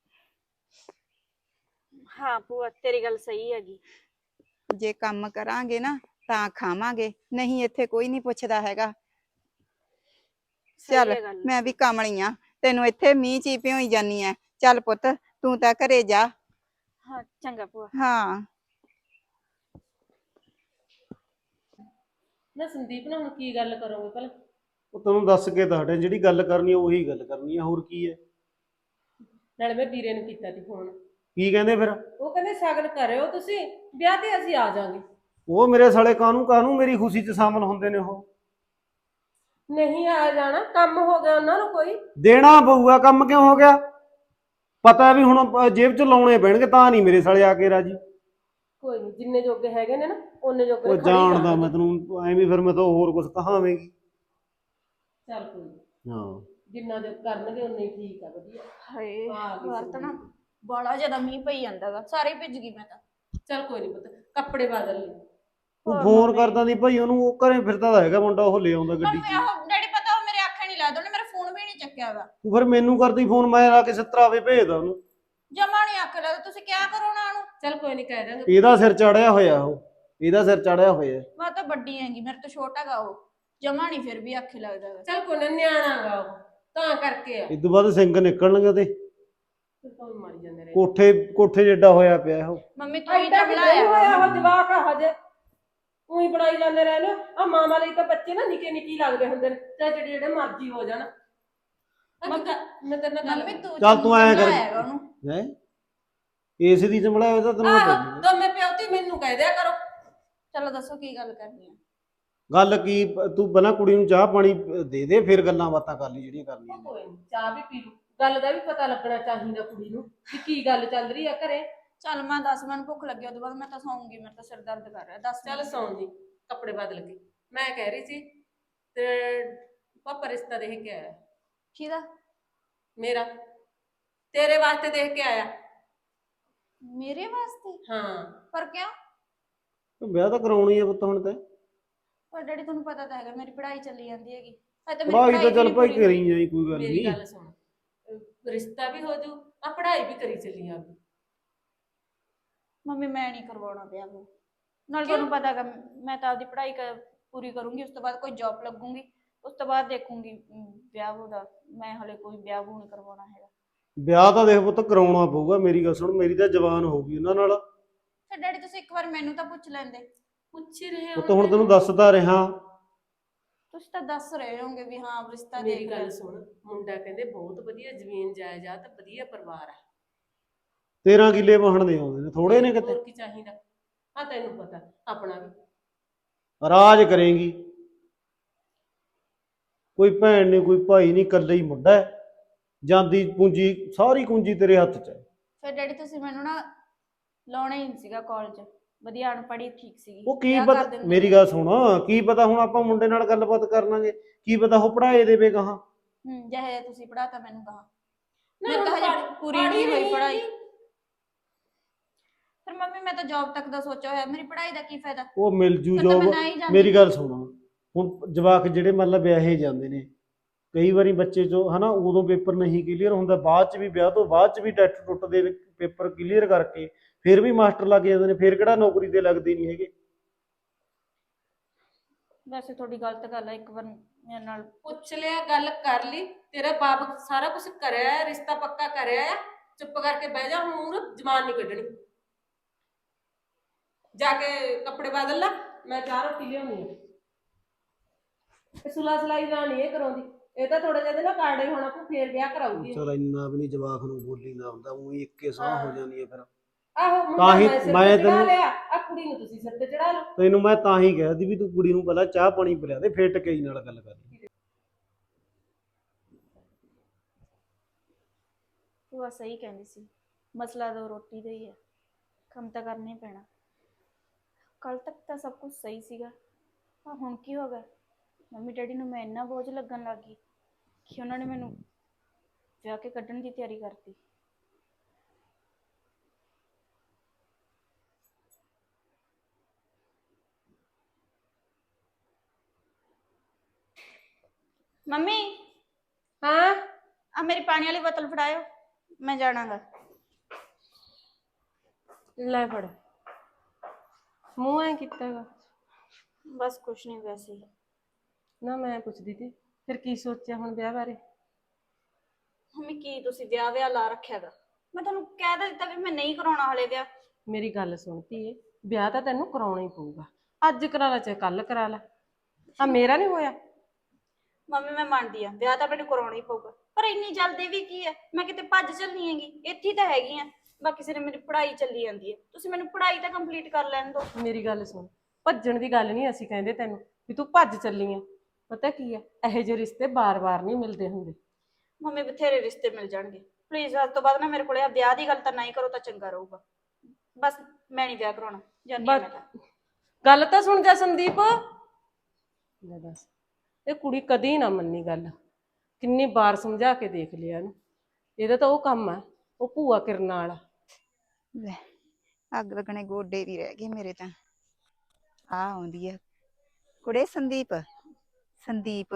S2: ਹਾਂ ਭੂਆ ਤੇਰੀ ਗੱਲ ਸਹੀ ਹੈਗੀ।
S7: ਜੇ ਕੰਮ ਕਰਾਂਗੇ ਨਾ ਤਾਂ ਖਾਵਾਂਗੇ, ਨਹੀਂ ਇੱਥੇ ਕੋਈ ਨਹੀਂ ਪੁੱਛਦਾ ਹੈਗਾ।
S2: ਸਹੀ
S7: ਚੱਲ
S2: ਹੈ ਗੱਲ।
S7: ਮੈਂ ਵੀ ਕਮਲੀ ਆ, ਤੈਨੂੰ ਇੱਥੇ ਮੀਂਹ ਚ ਹੀ ਭਿਉਈ ਜਾਨੀ ਆ। ਚੱਲ ਪੁੱਤ ਤੂੰ ਤਾਂ ਘਰੇ ਜਾ।
S2: ਹਾਂ ਚੰਗਾ ਭੂਆ।
S7: ਹਾਂ
S4: ਨਾ ਸੰਦੀਪ ਨਾਲ ਹੁਣ ਕੀ ਗੱਲ ਕਰੋਗੇ ਭਲਾ?
S1: ਉਹ ਤੈਨੂੰ ਦੱਸ ਕੇ ਤਾਂ ਹਟਿਆ, ਜਿਹੜੀ ਗੱਲ ਕਰਨੀ ਆ ਉਹੀ ਗੱਲ ਕਰਨੀ ਆ, ਹੋਰ ਕੀ ਹੈ।
S4: ਨਾਲੇ ਮੈਂ ਵੀਰੇ ਨੂੰ ਕੀਤਾ ਸੀ ਫੋਨ,
S1: ਕੀ ਕਹਿੰਦੇ ਫਿਰ?
S4: ਉਹ ਕਹਿੰਦੇ ਸ਼ਗਨ ਕਰਿਓ ਤੁਸੀਂ, ਵਿਆਹ ਤੇ ਅਸੀਂ ਆ ਜਾਾਂਗੇ।
S1: ਉਹ ਮੇਰੇ ਸਾਲੇ ਕਾਹਨੂੰ ਕਾਹਨੂੰ ਮੇਰੀ ਖੁਸ਼ੀ 'ਚ ਸ਼ਾਮਲ ਹੁੰਦੇ ਨੇ। ਉਹ
S4: ਨਹੀਂ ਆ ਜਾਣਾ, ਕੰਮ ਹੋ ਗਿਆ ਉਹਨਾਂ ਨੂੰ ਕੋਈ।
S1: ਦੇਣਾ ਪਊਗਾ, ਕੰਮ ਕਿਉਂ ਹੋ ਗਿਆ? ਪਤਾ ਵੀ ਹੁਣ ਜੇਬ 'ਚ ਲਾਉਣੇ ਪੈਣਗੇ, ਤਾਂ ਨਹੀਂ ਮੇਰੇ ਸਾਲੇ ਆ ਕੇ ਰਾਜੀ।
S4: ਕੋਈ ਨਹੀਂ, ਜਿੰਨੇ ਜੋਗੇ ਹੈਗੇ ਨੇ ਨਾ ਉਹਨੇ ਜੋਗੇ
S1: ਉਹ
S4: ਖੜੇ
S1: ਜਾਣਦਾ
S4: ਕਰਾਂਗੇ।
S1: ਮੈਂ ਤੈਨੂੰ, ਐਵੇਂ ਫਿਰ ਮੈਂ ਤਾਂ ਹੋਰ ਕੁਝ ਕਹਾਵੇਂਗੀ।
S4: ਚੱਲ ਕੋਈ ਨੀ,
S1: ਹਾਂ
S4: ਜਿੰਨਾ ਜੋ ਕਰਨਗੇ ਉਨਾ ਹੀ ਠੀਕ ਆ, ਵਧੀਆ।
S2: ਹਾਏ
S4: ਆ ਗਈ
S2: ਬਾਹਰ ਤਾਂ ਨਾ
S4: ਸੰਦੀਪ।
S2: ਬੜਾ ਜ਼ਿਆਦਾ ਮੀਂਹ ਪਈ ਜਾਂਦਾਗਾ, ਸਾਰੇ ਭਿੱਜ ਗਈ ਮੈਂ ਤਾਂ।
S4: ਚੱਲ ਕੋਈ ਨਹੀਂ ਪੁੱਤ, ਕੱਪੜੇ ਬਦਲ ਲਈ।
S1: ਤੂੰ ਫੋਨ ਕਰਦਾ ਦੀ ਭਾਈ ਉਹਨੂੰ, ਉਹ ਘਰੇ ਫਿਰਦਾ ਤਾਂ ਹੈਗਾ ਮੁੰਡਾ, ਉਹ ਲੈ ਆਉਂਦਾ ਗੱਡੀ 'ਚ।
S2: ਉਹ ਡੈਡੀ ਪਤਾ ਉਹ ਮੇਰੇ ਅੱਖਾਂ ਨਹੀਂ ਲੱਗਦਾ, ਉਹਨੇ ਮੇਰਾ ਫੋਨ ਵੀ ਨਹੀਂ ਚੱਕਿਆ ਵਾ।
S1: ਤੂੰ ਫਿਰ ਮੈਨੂੰ ਕਰਦੀ ਫੋਨ, ਮੈਂ ਆ ਕੇ ਸਤਰਾਵੇ ਭੇਜਦਾ ਉਹਨੂੰ।
S2: ਜਮਾ ਨਹੀਂ ਅੱਖ ਲੱਗਦਾ, ਤੁਸੀਂ ਕਿਆ ਕਰੋ ਨਾ ਉਹਨੂੰ।
S4: ਚੱਲ ਕੋਈ ਨਹੀਂ, ਕਹਿ ਦਾਂਗੇ।
S1: ਇਹਦਾ ਸਿਰ ਚੜਿਆ ਹੋਇਆ, ਉਹ ਇਹਦਾ ਸਿਰ ਚੜਿਆ ਹੋਇਆ।
S2: ਮੈਂ ਤਾਂ ਵੱਡੀ ਹੈਗੀ, ਮੇਰੇ ਤੋਂ ਛੋਟਾ ਗਾ ਉਹ, ਜਮਾ ਨਹੀਂ ਫਿਰ ਵੀ ਅੱਖੇ ਲੱਗਦਾਗਾ।
S4: ਚੱਲ ਕੋਈ ਨਾ, ਨਿਆਣਾ ਗਾ ਉਹ, ਤਾਂ ਕਰਕੇ ਆ।
S1: ਇਸ ਤੋਂ ਬਾਅਦ ਸਿੰਘ ਨਿਕਲਣਗੇ ਤੇ
S4: ਫਿਰ ਤਾਂ ਵੀ ਮਰ ਜਾਂਦੇ ਰਹੇ।
S1: ਕੋਠੇ ਕੋਠੇ ਜਿੱਡਾ ਹੋਇਆ ਪਿਆ ਉਹ।
S2: ਮੰਮੀ ਤੂੰ ਹੀ
S4: ਐਡਾ
S2: ਤਾਂ
S4: ਵੀ
S2: ਬੁਲਾਇਆ
S4: ਨਹੀਂ ਹੋਇਆ
S2: ਵਾ।
S4: ਉਹ ਜਵਾਕ ਆ ਹਜੇ, ਉਹੀ ਬਣਾਈ ਜਾਂਦੇ ਰਹੇ ਨੇ। ਆ ਮਾਮਾ ਲਈ ਤਾਂ ਬੱਚੇ ਨਾ ਨਿੱਕੇ ਨਿੱਕੇ ਲੱਗਦੇ ਹੁੰਦੇ ਨੇ, ਚਾਹੇ ਜਿਹੜੇ ਜਿਹੜੇ ਮਰਜ਼ੀ ਹੋ ਜਾਣ। ਮੈਂ ਤੇਰੇ ਨਾਲ ਗੱਲ
S2: ਮੰਮੀ ਤੂੰ
S1: ਚੱਲ ਤੂੰ ਐਂ ਕਰ।
S2: ਬੁਲਾਇਆ ਗਾ ਉਹਨੂੰ।
S1: ਹੈ ਏਸ ਦੀ ਚਮੜਾ ਹੋਇਆ ਤਾਂ ਤੈਨੂੰ ਮੈਂ
S4: ਆਹੋ,
S1: ਦੱਸ ਦਿੰਦਾ।
S4: ਦੋਵੇਂ ਪਿਓਤੀ ਮੈਨੂੰ ਕਹਿ ਦਿਆ ਕਰੋ।
S2: ਚਲੋ ਦੱਸੋ ਕੀ ਗੱਲ ਕਰਨੀ ਆ।
S1: ਗੱਲ ਕੀ, ਤੂੰ ਪਹਿਲਾਂ ਕੁੜੀ ਨੂੰ ਚਾਹ ਪਾਣੀ ਦੇ ਦੇ, ਫਿਰ ਗੱਲਾਂ ਬਾਤਾਂ ਕਰ ਲਈ ਜਿਹੜੀਆਂ ਕਰਨੀਆਂ ਨੇ।
S4: ਕੋਈ ਨੀ, ਚਾਹ ਵੀ ਪੀ ਲੂ, ਗੱਲ ਦਾ ਵੀ ਪਤਾ ਲੱਗਣਾ ਚਾਹੀਦਾ ਕੁੜੀ ਨੂੰ ਕਿ ਕੀ ਗੱਲ ਚੱਲ ਰਹੀ ਆ ਘਰੇ।
S2: ਚੱਲ ਮੈਂ ਦੱਸ, ਮੈਨੂੰ ਭੁੱਖ ਲੱਗੀ, ਉਹਦੇ ਬਾਅਦ ਮੈਂ ਤਾਂ ਸੌਂਗੀ, ਮੇਰੇ ਤਾਂ ਸਿਰ ਦਰਦ ਕਰ ਰਿਹਾ। ਦੱਸ
S4: ਚੱਲ ਸੌਂ ਜੀ, ਕੱਪੜੇ ਬਦਲ ਕੇ। ਮੈਂ ਕਹਿ ਰਹੀ ਸੀ ਤੇ ਪਾਪਾ ਰਿਸ਼ਤਾ ਦੇਖ ਕੇ ਆਇਆ
S2: ਕਿਹਦਾ?
S4: ਮੇਰਾ, ਤੇਰੇ ਵਾਸਤੇ ਦੇਖ ਕੇ ਆਇਆ।
S2: ਮੇਰੇ ਵਾਸਤੇ?
S4: ਹਾਂ।
S2: ਪਰ ਕਿਉਂ?
S1: ਵਿਆਹ ਤਾਂ ਕਰਾਉਣੀ ਹੈ ਪੁੱਤ ਹੁਣ ਤੇ।
S2: ਪਰ ਡੈਡੀ ਤੁਹਾਨੂੰ ਪਤਾ ਤਾਂ ਹੈਗਾ ਮੇਰੀ ਪੜ੍ਹਾਈ ਚੱਲੀ ਜਾਂਦੀ ਹੈਗੀ। ਹਜੇ ਤਾਂ ਮੇਰੀ
S1: ਪੜਾਈ ਤਾਂ
S2: ਵੀ
S1: ਚੱਲ
S2: ਨੀ
S1: ਭਾਈ
S2: ਪੂਰੀ
S1: ਕਰੀ
S2: ਹੋਈ।
S1: ਜਾਈ, ਕੋਈ ਗੱਲ
S4: ਮੇਰੀ
S1: ਨਹੀਂ।
S4: ਗੱਲ ਸੁਣ, ਅਹ ਰਿਸ਼ਤਾ ਵੀ ਹੋ ਜੂ, ਆ ਪੜ੍ਹਾਈ ਵੀ ਕਰੀ ਚੱਲੀ ਆ।
S2: ਮੰਮੀ ਮੈਂ ਨਹੀਂ ਕਰਵਾਉਣਾ ਪਿਆ ਉਹ ਨਾਲ, ਤੁਹਾਨੂੰ ਪਤਾ ਹੈਗਾ ਮੈਂ ਤਾਂ ਆਪਦੀ ਪੜ੍ਹਾਈ ਕ- ਪੂਰੀ ਕਰੂੰਗੀ, ਉਸ ਤੋਂ ਬਾਅਦ ਕੋਈ ਜੌਬ ਲੱਗੂੰਗੀ, ਉਸ ਤੋਂ ਬਾਅਦ ਦੇਖੂੰਗੀ ਅਮ, ਵਿਆਹ ਦਾ। ਮੈਂ ਹਲੇ ਕੋਈ ਵਿਆਹ ਵੂ ਨਹੀਂ ਕਰਵਾਉਣਾ ਹੈਗਾ।
S1: ਵਿਆਹ ਤਾਂ ਦੇਖ ਪੁੱਤ ਕਰਾਉਣਾ ਪਊਗਾ, ਮੇਰੀ ਗੱਲ ਸੁਣ, ਮੇਰੀ ਤਾਂ ਜਵਾਨ ਹੋਊਗੀ ਉਹਨਾਂ ਨਾਲ।
S2: ਫਿਰ ਡੈਡੀ ਤੁਸੀਂ ਇੱਕ ਵਾਰ ਮੈਨੂੰ ਤਾਂ ਪੁੱਛ ਲੈਂਦੇ।
S4: ਪੁੱਛ ਹੀ ਰਹੇ
S1: ਪੁੱਤ ਹੁਣ ਤੈਨੂੰ ਦੱਸਦਾ ਰਿਹਾ।
S2: ਤੁਸੀਂ ਤਾਂ ਦੱਸ ਰਹੇ ਹੋਗੇ ਵੀ ਹਾਂ ਰਿਸ਼ਤਾ
S4: ਮੇਰੀ
S2: ਦੇਖ
S4: ਗੱਲ
S2: ਲੈ।
S4: ਸੁਣ, ਮੁੰਡਾ ਕਹਿੰਦੇ ਬਹੁਤ ਵਧੀਆ ਜ਼ਮੀਨ ਜਾਇਦਾਦ ਤੇ ਵਧੀਆ ਪਰਿਵਾਰ ਆ।
S1: ਤੇਰਾਂ ਕਿੱਲੇ ਵਾਹਣ ਦੇ ਆਉਂਦੇ ਨੇ, ਥੋੜੇ ਨੇ ਕਿਤੇ।
S4: ਹੋਰ ਕੀ ਚਾਹੀਦਾ? ਆ ਤੈਨੂੰ ਪਤਾ ਆਪਣਾ ਵੀ।
S1: ਰਾਜ ਕਰੇਂਗੀ, ਕੋਈ ਭੈਣ ਨਹੀਂ ਕੋਈ ਭਾਈ ਨਹੀਂ, ਇਕੱਲਾ ਹੀ ਮੁੰਡਾ ਹੈ। ਜਾਂਦੀ ਪੂੰਜੀ ਸਾਰੀ ਕੁੰਜੀ ਤੇਰੇ ਹੱਥ 'ਚ ਹੈ।
S2: ਫਿਰ ਡੈਡੀ ਤੁਸੀਂ ਮੈਨੂੰ ਨਾ ਲਾਉਣਾ ਹੀ ਨਹੀਂ ਸੀਗਾ ਕਾਲਜ, ਵਧੀਆ ਅਨਪੜ੍ਹੀ ਠੀਕ ਸੀਗੀ,
S1: ਉਹ ਕੀ
S2: ਵਿਆਹ ਕਰ
S1: ਪਤਾ,
S2: ਦਿੰਦੇ।
S1: ਮੇਰੀ ਗੱਲ ਸੁਣ, ਕੀ ਪਤਾ ਹੁਣ ਆਪਾਂ ਮੁੰਡੇ ਨਾਲ ਗੱਲਬਾਤ ਕਰ ਲਾਂਗੇ, ਕੀ ਪਤਾ ਉਹ ਪੜ੍ਹਾਏ ਦੇਵੇ ਗਾਹਾਂ।
S2: ਹੂੰ ਜਿਹੇ ਤੁਸੀਂ ਪੜਾਤਾ ਮੈਨੂੰ ਕਹਾ,
S5: ਨਾ
S2: ਮੇਰੇ ਤਾਂ
S5: ਹੁਣ
S2: ਹਜੇ
S5: ਪੜ੍ਹ-
S2: ਪੂਰੀ
S5: ਪੜ੍ਹ
S2: ਨਹੀਂ
S5: ਹੀ
S2: ਹੋਈ
S5: ਰਹੀ
S2: ਪੜ੍ਹਾਈ।
S5: ਹੈਗੀ।
S2: ਫਿਰ ਮੰਮੀ ਮੈਂ ਤਾਂ ਜੌਬ ਤੱਕ ਦਾ ਸੋਚਿਆ ਹੋਇਆ, ਮੇਰੀ ਪੜ੍ਹਾਈ ਦਾ ਕੀ ਫਾਇਦਾ?
S1: ਉਹ ਮਿਲ ਜੂ
S2: ਫਿਰ ਤਾਂ ਮੈਂ
S1: ਜੋਬ।
S2: ਨਾ ਹੀ ਜਾਂਦੀ।
S1: ਮੇਰੀ ਗੱਲ ਸੁਣ, ਹੁਣ ਜਵਾਕ ਜਿਹੜੇ ਮਤਲਬ ਵਿਆਹੇ ਜਾਂਦੇ ਨੇ, ਕਈ ਵਾਰੀ ਬੱਚੇ ਚੋਂ ਹਨਾ ਉਦੋਂ ਪੇਪਰ ਨਹੀਂ ਕਲੀਅਰ ਹੁੰਦਾ, ਬਾਅਦ ਚ ਵੀ ਵਿਆਹ ਤੋਂ ਬਾਅਦ ਚ ਵੀ ਟੈਟ ਟੁੱਟ ਦੇ ਪੇਪਰ ਕਲੀਅਰ ਕਰਕੇ ਫਿਰ ਵੀ ਮਾਸਟਰ ਲੱਗ ਜਾਂਦੇ ਨੇ, ਫਿਰ ਕਿਹੜਾ ਨੌਕਰੀ ਤੇ ਲੱਗਦੇ ਨਹੀਂ ਹੈਗੇ।
S2: ਵੈਸੇ ਤੁਹਾਡੀ ਗਲਤ ਗੱਲ ਹੈ, ਇੱਕ ਵਾਰ ਮੇਰੇ ਨਾਲ
S4: ਪੁੱਛ ਲਿਆ, ਗੱਲ ਕਰ ਲਈ, ਤੇਰਾ ਬਾਪ ਸਾਰਾ ਕੁਝ ਕਰਿਆ ਹੈ, ਰਿਸ਼ਤਾ ਪੱਕਾ ਕਰਿਆ ਹੈ, ਚੁੱਪ ਕਰਕੇ ਬਹਿ ਜਾ, ਹੁਣ ਮੂੰਹ ਜ਼ਬਾਨ ਨਹੀਂ ਕੱਢਣੀ। ਜਾ ਕੇ ਕੱਪੜੇ ਬਦਲ ਲੈ, ਮੈਂ ਚਾਹ ਰੋਟੀ ਲਿਆਉਣੀ ਹੈ। ਇਹ ਸੁਲਾ ਸਲਾਈ ਨਾਲ ਨਹੀਂ ਇਹ ਕਰਾਉਂਦੀ, ਇਹ ਤਾਂ ਥੋੜਾ ਜਿਹਾ ਨਾ ਕਾਰਡੇ ਹੋਣਾ, ਤੂੰ ਫੇਰ ਵਿਆਹ ਕਰਾਉਗੀ।
S1: ਚਲ ਇੰਨਾ ਵੀ ਨਹੀਂ ਜਵਾਕ ਨੂੰ ਬੋਲੀ ਨਾ ਹੁੰਦਾ, ਉਹੀ ਇੱਕੇ ਸਾਹ ਹੋ ਜਾਂਦੀ ਹੈ ਫਿਰ।
S4: ਆਹੋ
S1: ਤਾਂ
S4: ਮੁੰਡਾ
S1: ਹੀ
S4: ਮੈਂ ਸਿਰ
S1: ਮੈਂ
S4: ਤੇ ਚੜਾ
S1: ਤੈਨੂੰ-
S4: ਲਿਆ, ਆ ਕੁੜੀ ਨੂੰ ਤੁਸੀਂ ਸਿਰ ਤੇ ਚੜਾ ਲਓ।
S1: ਤੈਨੂੰ ਮੈਂ ਤਾਂ ਹੀ ਕਹਿ ਦਿੱਤੀ ਵੀ ਤੂੰ ਕੁੜੀ ਨੂੰ ਪਹਿਲਾਂ ਚਾਹ ਪਾਣੀ ਪਿਲਾ ਦੇ, ਫਿਰ ਟਕਈ ਨਾਲ ਗੱਲ ਕਰ ਲਈ।
S2: ਭੂਆ ਸਹੀ ਕਹਿੰਦੀ ਸੀ, ਮਸਲਾ ਤਾਂ ਰੋਟੀ ਦਾ ਹੀ ਹੈ, ਕੰਮ ਤਾਂ ਕਰਨਾ ਹੀ ਪੈਣਾ। ਕੱਲ ਤੱਕ ਤਾਂ ਸਭ ਕੁਝ ਸਹੀ ਸੀਗਾ, ਆ ਹੁਣ ਕੀ ਹੋ ਗਿਆ? ਮੰਮੀ ਡੈਡੀ ਨੂੰ ਮੈਂ ਇੰਨਾ ਬੋਝ ਲੱਗਣ ਲੱਗ ਗਈ ਕਿ ਉਹਨਾਂ ਨੇ ਮੈਨੂੰ ਵਿਆਹ ਕੇ ਕੱਢਣ ਦੀ ਤਿਆਰੀ ਕਰਤੀ। ਮੰਮੀ
S4: ਹਾਂ
S2: ਆ ਮੇਰੀ ਪਾਣੀ ਵਾਲੀ ਬੋਤਲ ਫੜਾਇਓ, ਮੈਂ ਜਾਣਾਗਾ।
S4: ਲੈ ਫੜ, ਮੂੰਹ ਐ ਕੀਤਾ ਗਾ।
S2: ਬਸ ਕੁਛ ਨਹੀਂ, ਵੈਸੇ ਹੀ।
S4: ਨਾ ਮੈਂ ਪੁੱਛਦੀ ਤੀ, ਫਿਰ ਕੀ ਸੋਚਿਆ ਹੁਣ ਵਿਆਹ ਬਾਰੇ?
S2: ਮੰਮੀ ਕੀ ਤੁਸੀਂ ਵਿਆਹ ਵਿਆਹ ਲਾ ਰੱਖਿਆਗਾ? ਮੈਂ ਤੁਹਾਨੂੰ ਕਹਿ ਤਾਂ ਦਿੱਤਾ ਵੀ ਮੈਂ ਨਹੀਂ ਕਰਾਉਣਾ ਹਲੇ ਵਿਆਹ।
S4: ਮੇਰੀ ਗੱਲ ਸੁਣ ਧੀਏ, ਵਿਆਹ ਤਾਂ ਤੈਨੂੰ ਕਰਾਉਣਾ ਹੀ ਪਊਗਾ, ਅੱਜ ਕਰਾ ਲੈ ਚਾਹੇ ਕੱਲ ਕਰਾ ਲੈ। ਆ ਮੇਰਾ ਨਹੀਂ ਹੋਇਆ?
S2: ਮੰਮੀ ਮੈਂ ਮੰਨਦੀ ਆ, ਵਿਆਹ ਤਾਂ ਮੈਨੂੰ ਕਰਾਉਣਾ ਹੀ ਪਊਗਾ, ਪਰ ਇੰਨੀ ਜਲਦੀ ਵੀ ਕੀ ਹੈ? ਮੈਂ ਕਿਤੇ ਭੱਜ ਚੱਲਣੀ ਹੈਗੀ, ਇੱਥੇ ਤਾਂ ਹੈਗੀ ਆ। ਬਾਕੀ ਸਿਰੇ ਮੇਰੀ ਪੜ੍ਹਾਈ ਚੱਲੀ ਜਾਂਦੀ ਹੈ, ਤੁਸੀਂ ਮੈਨੂੰ ਪੜ੍ਹਾਈ ਤਾਂ ਕੰਪਲੀਟ ਕਰ ਲੈਣ ਦਿਓ।
S4: ਮੇਰੀ ਗੱਲ ਸੁਣ, ਭੱਜਣ ਦੀ ਗੱਲ ਨਹੀਂ ਅਸੀਂ ਕਹਿੰਦੇ ਤੈਨੂੰ ਵੀ ਤੂੰ ਭੱਜ ਚੱਲੀ ਆ। ਪਤਾ ਕੀ ਹੈ, ਇਹੋ ਜਿਹੇ ਰਿਸ਼ਤੇ ਬਾਰ-ਬਾਰ ਨਹੀਂ ਮਿਲਦੇ ਹੁੰਦੇ।
S2: ਮੰਮੀ ਬਥੇਰੇ ਰਿਸ਼ਤੇ ਮਿਲ ਜਾਣਗੇ, ਪਲੀਜ਼ ਅੱਜ ਤੋਂ ਬਾਅਦ ਨਾ ਮੇਰੇ ਕੋਲੇ ਆ ਵਿਆਹ ਦੀ ਗੱਲ ਤਾਂ ਨਾ ਹੀ ਕਰੋ ਤਾਂ ਚੰਗਾ ਰਹੂਗਾ। ਬਸ ਮੈਂ ਨਹੀਂ ਵਿਆਹ ਕਰਾਉਣਾ, ਜਾਂਦੀ ਹਾਂ ਮੈਂ ਤਾਂ।
S4: ਗੱਲ ਤਾਂ ਸੁਣ ਜਾ ਸੰਦੀਪ, ਲੈ ਦੱਸ, ਇਹ ਕੁੜੀ ਕਦੀ ਨਾ ਮੰਨੀ ਗੱਲ, ਕਿੰਨੀ ਵਾਰ ਸਮਝਾ ਕੇ ਦੇਖ ਲਿਆ ਇਹਨੂੰ। ਇਹਦਾ ਤਾਂ ਉਹ ਕੰਮ ਹੈ, ਉਹ ਭੂਆ ਕਿਰਨਾਂ ਵਾਲਾ।
S7: ਲੈ ਅੱਗ ਲੱਗਣੇ ਗੋਡੇ ਵੀ ਰਹਿ ਗਏ ਮੇਰੇ ਤਾਂ। ਆ ਆਉਂਦੀ ਆ ਕੁੜੇ ਸੰਦੀਪ। ਸੰਦੀਪ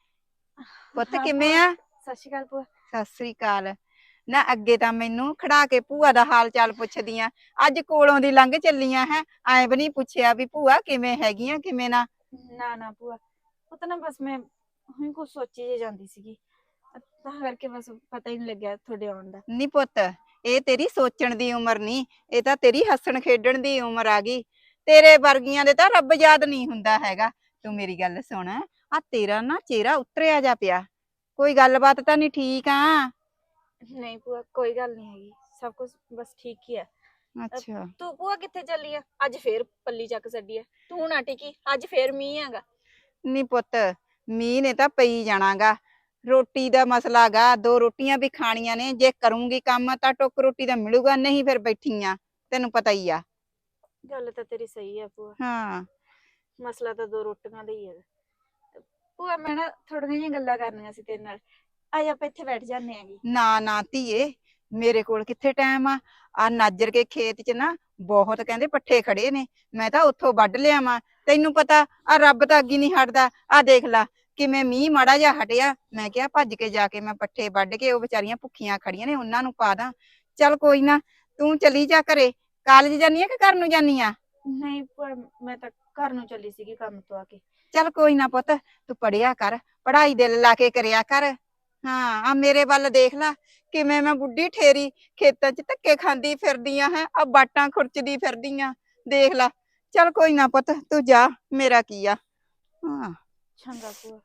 S7: ਪੁੱਤ ਕਿਵੇਂ ਆ?
S2: ਸਤਿ ਸ਼੍ਰੀ ਅਕਾਲ ਭੂਆ।
S7: ਸਤਿ ਸ੍ਰੀ ਅਕਾਲ। ਨਾ ਅੱਗੇ ਤਾਂ ਮੈਨੂੰ ਖੜਾ ਕੇ ਭੂਆ ਦਾ ਹਾਲ ਚਾਲ ਪੁੱਛਦੀਆਂ, ਅੱਜ ਕੋਲੋਂ ਦੀ ਲੰਘ ਚੱਲੀਆਂ ਹੈ, ਐਂ ਵੀ ਨਹੀਂ ਪੁੱਛਿਆ ਵੀ ਭੂਆ ਕਿਵੇਂ ਹੈਗੀਆਂ ਕਿਵੇਂ ਨਾ।
S2: ਨਾ ਨਾ ਭੂਆ, ਉਹ ਤਾਂ ਨਾ ਬਸ ਮੈਂ ਹੁਣ ਕੁਝ ਸੋਚੀ ਜੇ ਜਾਂਦੀ ਸੀਗੀ, ਤਾਂ ਕਰਕੇ ਬਸ ਪਤਾ ਹੀ ਨਹੀਂ ਲੱਗਿਆ ਤੁਹਾਡੇ ਆਉਣ ਦਾ।
S7: ਨੀ ਪੁੱਤ, ਇਹ ਤੇਰੀ ਸੋਚਣ ਦੀ ਉਮਰ ਨਹੀਂ, ਇਹ ਤਾਂ ਤੇਰੀ ਹੱਸਣ ਖੇਡਣ ਦੀ ਉਮਰ ਆ ਗਈ। ਤੇਰੇ ਵਰਗੀਆਂ ਦੇ ਤਾਂ ਰੱਬ ਯਾਦ ਨਹੀਂ ਹੁੰਦਾ ਹੈਗਾ। ਤੂੰ ਮੇਰੀ ਗੱਲ ਸੁਣ, ਆ ਤੇਰਾ ਨਾ ਚਿਹਰਾ ਉਤਰਿਆ ਜਾ ਪਿਆ, ਕੋਈ ਗੱਲਬਾਤ ਤਾਂ ਨਹੀਂ? ਠੀਕ ਆ?
S2: ਨਹੀਂ ਭੂਆ ਕੋਈ ਗੱਲ ਨਹੀਂ ਹੈਗੀ, ਸਭ ਕੁਝ ਬਸ ਠੀਕ ਹੀ ਹੈ।
S7: ਅੱਛਾ
S2: ਤੂੰ ਭੂਆ ਕਿੱਥੇ ਚੱਲੀ ਆ? ਅੱਜ ਫੇਰ ਪੱਲੀ ਚੱਕ ਛੱਡੀ ਆ, ਤੂੰ ਨਾ ਟਿਕੀ, ਅੱਜ ਫੇਰ ਮੀਂਹ ਹੈਗਾ।
S7: ਨੀ ਪੁੱਤ, ਮੀਂਹ ਨੇ ਤਾਂ ਪਈ ਜਾਣਾਗਾ, ਰੋਟੀ ਦਾ ਮਸਲਾ ਗਾ, ਦੋ ਰੋਟੀਆਂ ਵੀ ਖਾਣੀਆਂ ਨੇ, ਜੇ ਕਰੂੰਗੀ ਕੰਮ ਤਾਂ ਟੁੱਕ ਰੋਟੀ ਦਾ ਮਿਲੂਗਾ, ਨਹੀਂ ਫਿਰ ਬੈਠੀ ਆ, ਤੈਨੂੰ ਪਤਾ ਹੀ ਆ।
S2: ਗੱਲ ਤਾਂ ਤੇਰੀ ਸਹੀ ਹੈ ਭੂਆ,
S7: ਹਾਂ
S2: ਮਸਲਾ ਤਾਂ ਦੋ ਰੋਟੀਆਂ ਦਾ ਹੀ ਹੈ। ਭੂਆ ਮੈਂ ਨਾ ਥੋੜੀਆਂ ਜਿਹੀਆਂ ਗੱਲਾਂ ਕਰਨੀਆਂ ਸੀ ਤੇਰੇ ਨਾਲ, ਅੱਜ ਆਪਾਂ ਇੱਥੇ ਬੈਠ ਜਾਂਦੇ ਆਂਗੇ।
S7: ਨਾ ਨਾ ਧੀਏ, ਮੇਰੇ ਕੋਲ ਕਿੱਥੇ ਟਾਈਮ ਆ? ਆ ਨਾਜਰ ਕੇ ਖੇਤ 'ਚ ਨਾ ਬਹੁਤ ਕਹਿੰਦੇ ਪੱਠੇ ਖੜੇ ਨੇ, ਮੈਂ ਤਾਂ ਉੱਥੋਂ ਵੱਢ ਲਿਆਵਾਂ। ਤੈਨੂੰ ਪਤਾ ਆ ਰੱਬ ਤਾਂ ਅੱਗੀ ਨਹੀਂ ਹਟਦਾ, ਆ ਦੇਖ ਲਾ ਕਿਵੇਂ ਮੀਂਹ ਮਾੜਾ ਜਿਹਾ ਹਟਿਆ, ਮੈਂ ਕਿਹਾ ਭੱਜ ਕੇ ਜਾ ਕੇ ਮੈਂ ਪੱਠੇ ਵੱਢ ਕੇ ਉਹ ਵਿਚਾਰੀਆਂ ਭੁੱਖੀਆਂ ਖੜੀਆਂ ਨੇ ਉਹਨਾਂ ਨੂੰ ਪਾ ਦਾਂ। ਚੱਲ ਕੋਈ ਨਾ, ਤੂੰ ਚਲੀ ਜਾ ਘਰੇ। ਕਾਲਜ ਜਾਨੀ ਆ ਕਿ ਘਰ ਨੂੰ ਜਾਨੀ ਆ?
S2: ਨਹੀਂ ਭੂਆ ਮੈਂ ਤਾਂ ਘਰ ਨੂੰ ਚੱਲੀ ਸੀਗੀ ਕੰਮ ਤੋਂ ਆ ਕੇ।
S7: ਚੱਲ ਕੋਈ ਨਾ ਪੁੱਤ, ਤੂੰ ਪੜਿਆ ਕਰ, ਪੜ੍ਹਾਈ ਦਿਲ ਲਾ ਕੇ ਕਰਿਆ ਕਰ। ਹਾਂ ਆ ਮੇਰੇ ਵੱਲ ਦੇਖ ਲਾ ਕਿਵੇਂ ਮੈਂ ਬੁੱਢੀ ਠੇਰੀ ਖੇਤਾਂ 'ਚ ਧੱਕੇ ਖਾਂਦੀ ਫਿਰਦੀ ਆ, ਹੈ ਆ ਬਾਟਾਂ ਖੁਰਚਦੀ ਫਿਰਦੀ ਆ, ਦੇਖ ਲਾ। ਚੱਲ ਕੋਈ ਨਾ ਪੁੱਤ, ਤੂੰ ਜਾ, ਮੇਰਾ ਕੀ ਆ। ਹਾਂ
S2: ਚੰਗਾ ਭੂਆ।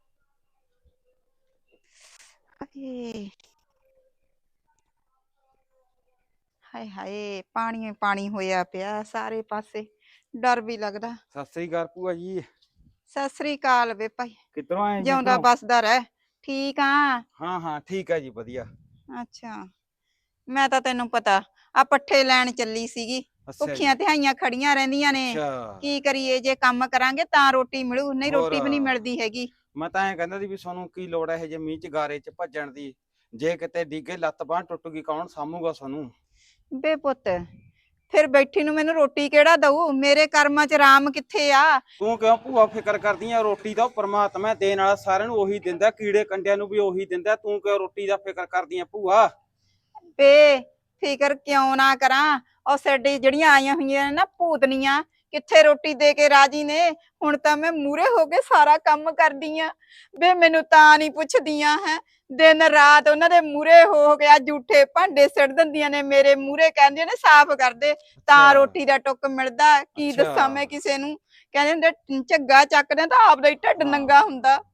S7: ਹਾਏ ਹਾਏ ਹਾਏ, ਪਾਣੀ ਹੀ ਪਾਣੀ ਹੋਇਆ ਪਿਆ ਸਾਰੇ ਪਾਸੇ, ਡਰ ਵੀ ਲੱਗਦਾ।
S8: ਸਤਿ ਸ੍ਰੀ ਅਕਾਲ ਭੂਆ ਜੀ।
S7: ਸਤਿ ਸ੍ਰੀ ਅਕਾਲ ਵੇ ਭਾਈ,
S8: ਕਿੱਧਰੋਂ ਆਏ ਜੀ?
S7: ਜਿਉਂਦਾ
S8: ਇੱਧਰੋਂ?
S7: ਬਸਦਾ ਰਹਿ। ਠੀਕ ਆ?
S8: ਹਾਂ ਹਾਂ ਠੀਕ ਹੈ ਜੀ, ਵਧੀਆ।
S7: ਅੱਛਾ, ਮੈਂ ਤਾਂ ਤੈਨੂੰ ਪਤਾ ਆ ਪੱਠੇ ਲੈਣ ਚੱਲੀ ਸੀਗੀ।
S8: ਅੱਛਾ ਜੀ।
S7: ਭੁੱਖੀਆਂ ਤਿਹਾਈਆਂ ਖੜੀਆਂ ਰਹਿੰਦੀਆਂ ਨੇ।
S8: ਅੱਛਾ
S7: ਕੀ ਕਰੀਏ, ਜੇ ਕੰਮ ਕਰਾਂਗੇ ਤਾਂ ਰੋਟੀ ਮਿਲੂ, ਨਹੀਂ ਰੋਟੀ ਵੀ ਨਹੀਂ
S8: ਹੋਰ।
S7: ਮਿਲਦੀ ਹੈਗੀ।
S8: ਮੈਂ ਤਾਂ ਐਂ ਕਹਿੰਦਾ ਸੀ ਵੀ ਤੁਹਾਨੂੰ ਕੀ ਲੋੜ ਹੈ ਇਹ ਜੇ ਮੀਂਹ ਚ ਗਾਰੇ ਚ ਭੱਜਣ ਦੀ। ਜੇ ਕਿਤੇ ਡਿੱਗੇ ਲੱਤ ਬਾਂਹ ਟੁੱਟ ਗਈ ਕੌਣ ਸਾਂਭੂਗਾ ਸਾਨੂੰ?
S7: ਬੇ ਪੁੱਤ, ਫਿਰ ਬੈਠੀ ਨੂੰ ਮੈਨੂੰ ਰੋਟੀ ਕਿਹੜਾ ਦਊ? ਮੇਰੇ ਕਰਮਾਂ 'ਚ ਰਾਮ ਕਿੱਥੇ ਆ?
S8: ਤੂੰ ਕਿਉਂ ਭੂਆ ਫਿਕਰ ਕਰਦੀ ਆ? ਰੋਟੀ ਤਾਂ ਉਹ ਪ੍ਰਮਾਤਮਾ ਦੇਣ ਵਾਲਾ ਸਾਰਿਆਂ ਨੂੰ ਉਹੀ ਦਿੰਦਾ, ਕੀੜੇ ਕੰਡਿਆਂ ਨੂੰ ਵੀ ਉਹੀ ਦਿੰਦਾ। ਤੂੰ ਕਿਉਂ ਰੋਟੀ ਦਾ ਫਿਕਰ ਕਰਦੀ ਆ ਭੂਆ?
S7: ਬੇ ਫਿਕਰ ਕਿਉਂ ਨਾ ਕਰਾਂ? ਉਹ ਸਾਡੀ ਜਿਹੜੀਆਂ ਆਈਆਂ ਹੋਈਆਂ ਨੇ ਨਾ ਭੂਤਨੀਆਂ, ਕਿੱਥੇ ਰੋਟੀ ਦੇ ਕੇ ਰਾਜੀ ਨੇ। ਹੁਣ ਤਾਂ ਮੈਂ ਮੂਰੇ ਹੋ ਕੇ ਸਾਰਾ ਕੰਮ ਕਰਦੀ ਆ। ਬੇ ਮੈਨੂੰ ਤਾਂ ਨਹੀਂ ਪੁੱਛਦੀਆਂ ਹੈ, ਦਿਨ ਰਾਤ ਉਹਨਾਂ ਦੇ ਮੂਰੇ ਹੋ ਗਿਆ ਜੂਠੇ ਭਾਂਡੇ ਸਿੱਟ ਦਿੰਦੀਆਂ ਨੇ ਮੇਰੇ ਮੂਰੇ, ਕਹਿੰਦੀਆਂ ਨੇ ਸਾਫ਼ ਕਰ ਦੇ ਤਾਂ
S8: ਅੱਛਾ।
S7: ਰੋਟੀ ਦਾ ਟੁੱਕ ਮਿਲਦਾ। ਕੀ
S8: ਅੱਛਾ।
S7: ਦੱਸਾਂ ਮੈਂ ਕਿਸੇ ਨੂੰ? ਕਹਿੰਦੇ ਹੁੰਦੇ ਝੱਗਾ ਚੱਕਦੇ ਤਾਂ ਆਪਦਾ ਹੀ ਢਿੱਡ
S8: ਹਾਂ।
S7: ਨੰਗਾ ਹੁੰਦਾ।